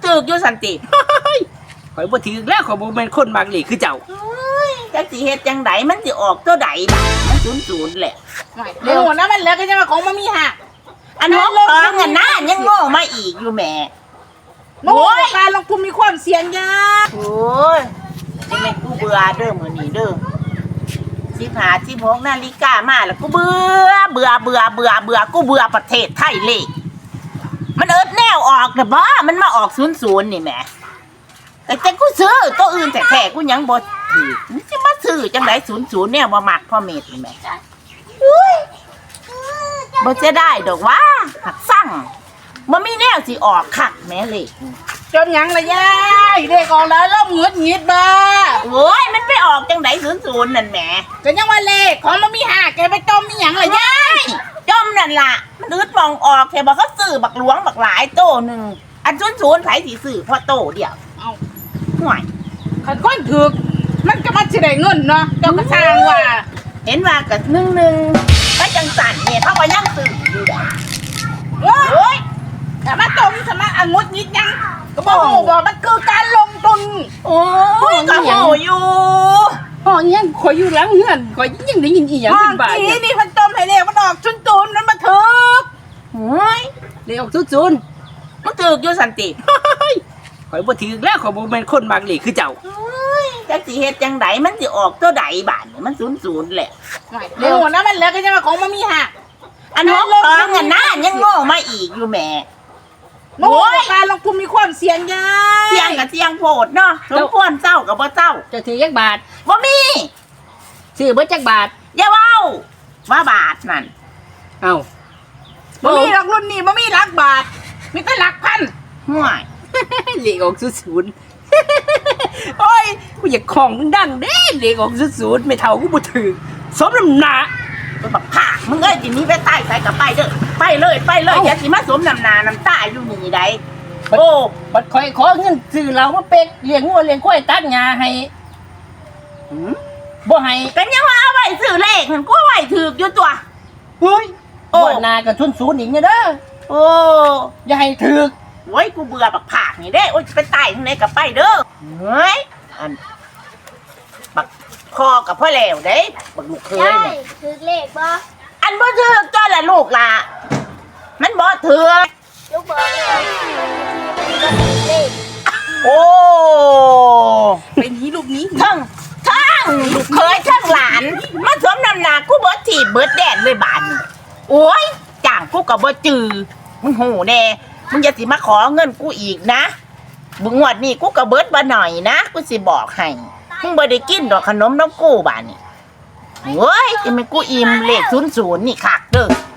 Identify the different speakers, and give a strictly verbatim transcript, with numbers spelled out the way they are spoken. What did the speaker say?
Speaker 1: ถือกอยู่สันติ
Speaker 2: ข่อยบ่ถือแล้วข่อยบ่แม่นคนมักเลขคือเจ้า
Speaker 1: จักสิเฮ็ดจังไดมันสิออกตัวใดบัดมันศูนย์ศูนย์แหละ
Speaker 3: เร็วนะมันแล้วก็จะมาของมามีหัก
Speaker 1: อันหกสองอันนั้นยังโง่มาอีกอยู่แหม่
Speaker 3: โอ้ยการลงทุนมีความเสี่ยงยาก
Speaker 1: โอ้ยจังแม่นกูเบื่อเด้อมื้อนี้เด้อสิบห้า สิบหกนาฬิกามาแล้วกูเบื่อเบื่อเบื่อเบื่อเบื่อกูเบื่อประเทศไทยเลขมันเอิดแนวออกน่ะบ่มันมาออกศูนย์ศูนย์นี่แหมแต่แต่กูซื้อตัวอื่นแต่แท้กูยังบ่ถือมึงสิมาซื้อจังไดศูนย์ศูนย์เนี่ยบ่มักพ่อเมธนี่แหมอุ้ยบ่จะได้ดอกว่าหักสั่งบ่มีแนวสิออกคักแม่เลข
Speaker 3: จนยังละยายเด็กออกแล้วเริ่มหงุดหงิดบ้า
Speaker 1: โอ้ยมันไปออกจังไดศูนย์ศูนย์นั่นแหม
Speaker 3: ก็ยังว่าเลขของมามีหักแกไปจมมีหยังละยาย
Speaker 1: จมนั่นล่ะมันอึดมองออกแค่บอกเขาซื้อบักหลวงบักหลายโตหนึ่งอันศูนย์ศูนย์ไผสิซื้อพอโตเดียว
Speaker 3: เอา
Speaker 1: ห่วย
Speaker 3: ขันก้นถึกมันก็มาสิได้เงินเนาะเจ้ากระช่างว่า
Speaker 1: เห็นว่ากับหนึ่งหนึ่งก็จังสั่นเนี่ยเขาก็ยังซื้ออยู่ได้
Speaker 3: โอ้
Speaker 1: โอ้ย
Speaker 3: แต่มาจมสมาอังุดหงิดยังก็บอกว่ามันคือการลงทุน
Speaker 1: โอ้ยก็โหอยู่
Speaker 2: ห้องยังข่อยอยู่หลังเฮือนข่อยยังได้ยินอีหยัง
Speaker 3: ห้อ
Speaker 2: เป็
Speaker 3: ง
Speaker 2: นบ่าย
Speaker 3: นี้นี่มันจมให้เลขมันออกชุนตูนมันมาถึก
Speaker 1: โอ้ย
Speaker 2: เลขออกศูนย์ศูนย์
Speaker 1: มันถือกอยู่สันติ
Speaker 2: ข่อยบ่ถือแล้วข่อยบ่แม่นคนมักเลขคือเจ้า
Speaker 1: โอ้ยจักสิเฮ็ดจังไดมันสิออกตัวใดบาดนี่มันศูนย์ศูนย์แหละ
Speaker 3: เร็วนะมันแล้วก็จะมาของมามีหัก
Speaker 1: อันหกสองอันนั้นยังโง่มาอีกอยู่แหม่
Speaker 3: โอ้ยการลงทุนมีความเสี่ยงยาก
Speaker 1: เสียงกับเสียงโพดเนาะสมควรเจ้ากับบ่เจ้า
Speaker 2: เจ้าถือจักบาท
Speaker 1: บ่มี
Speaker 2: ซื้อเบิดจักบาท
Speaker 1: อย่าเว้าว่าบาทนั่น
Speaker 2: เอ้า
Speaker 3: บ่มีหลักรุ่นนี่บ่มีหลักบาทมีแต่หลักพัน
Speaker 1: ห่วย
Speaker 2: เลขออกศูนย์ศูนย์โอ้ยกูอยากของดังเด้เลขออกศูนย์ศูนย์ไม่เท่ากูบ่ถือสมน้ำหน้า
Speaker 1: ไปบักผากมึงเอ้ยทีนี้ไปใต้ใส่กับไปเด้อไปเลยไปเลยอย่าสิมาสวมน้ำหนาน้ำตาอยู่นี่ได้โอ้
Speaker 2: บัดข่อยขอเงินซื้อเหล้ามาเป็กเลี้ยงงัวเลี้ยงควายตัดหญ้าให้
Speaker 1: หืม
Speaker 2: บ่ให้
Speaker 1: กันยังว่าเอาไว้ซื้อเลขมันก็ไว้ถือกอยู่ตัว
Speaker 2: เฮ้ย
Speaker 1: โอ้
Speaker 2: บ่นากับทุนศูนย์อีกเนี่ยเด้อ
Speaker 1: โอ้
Speaker 2: อย่าให้ถือ
Speaker 1: โว้ยกูเบื่อบักผากนี่เด้โอ้ยไปใต้ทางไหนกับไปเด้อเฮ้ยอันบักพ่อกับพ่อแล้วเด้บักลูกเคย
Speaker 4: ใช่
Speaker 1: เนี่ย
Speaker 4: ถือเลขบ่
Speaker 1: อันบ่ถือกจ้าละลูกล่ะมันบ่ถือก
Speaker 4: ลูกบอกเลยว่าถือเลข
Speaker 1: โอ้
Speaker 3: เป็นนี้ลูกนี้
Speaker 1: ทั้งทั้งลูกเคยทั้งหลานมาสวมน้ำหนากูเบิดถีบเบิดแดนเลยบาดนี้โอ้ยจ้างกูก็บ่จือมึงหูแน่มึงอย่าสิมาขอเงินกูอีกนะบึงงวดนี้กูก็เบิดบ่หน่อยนะกูสิบอกให้มึงบ่ได้กินดอกขนมน้ำกูบาดนี้โอ้ยจะไม่กูอิ่มเลขศูนย์ศูนย์นี่คักเด้อ